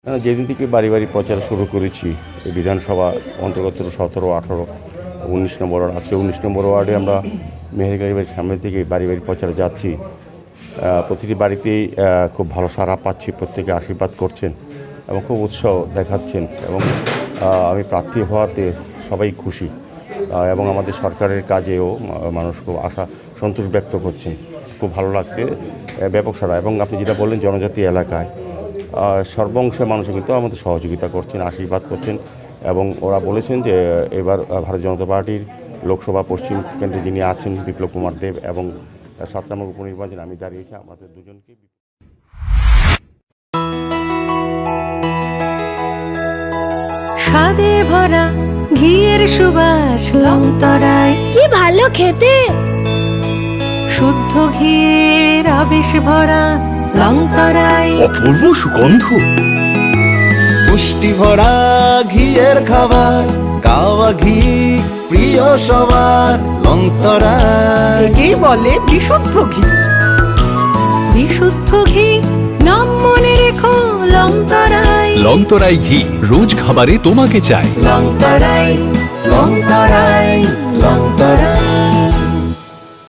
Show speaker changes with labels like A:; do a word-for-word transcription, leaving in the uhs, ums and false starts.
A: যেদিন থেকে বাড়ি বাড়ি প্রচার শুরু করেছি এই বিধানসভা অন্তর্গত সতেরো আঠারো উনিশ নম্বর ওয়ার্ড, আজকে উনিশ নম্বর ওয়ার্ডে আমরা মেহেরগাড়ি বাড়ির সামনে থেকে বাড়ি বাড়ি প্রচারে যাচ্ছি। প্রতিটি বাড়িতেই খুব ভালো সাড়া পাচ্ছি, প্রত্যেকে আশীর্বাদ করছেন এবং খুব উৎসাহ দেখাচ্ছেন এবং আমি প্রার্থী হওয়াতে সবাই খুশি এবং আমাদের সরকারের কাজেও মানুষ খুব আশা সন্তোষ ব্যক্ত করছেন। খুব ভালো লাগছে, ব্যাপক সাড়া। এবং আপনি যেটা বললেন জনজাতি এলাকায় সর্বংশে মানুষ কিন্তু আমাদের সহযোগিতা করছেন, আশীর্বাদ করছেন এবং ওরা বলেছেন যে এবার ভারতীয় জনতা পার্টির লোকসভা পশ্চিম কেন্দ্রে যিনি আছেন বিপ্লব কুমার দেব এবং সাত নম্বর উপনির্বাচনে আমি দাঁড়িয়েছি, আমাদের দুজনকে
B: স্বাদে ভরা ঘিয়ের সুবাস লংতরায়
C: কি ভালো খেতে,
B: শুদ্ধ ঘিয়ের আবেশ ভরা লংতরায়
D: অপূর্ব সুগন্ধ, পুষ্টি ভরা ঘিয়ের খাবার, গাওয়া ঘি প্রিয় সবার লংতরায়।
B: একেই বলে বিশুদ্ধ ঘি। বিশুদ্ধ ঘি নাম মনে রেখো লংতরায়।
E: লংতরাই ঘি রোজ খাবারে তোমাকে চাই।
B: লংতরায়
D: লংতরায় লংতরায়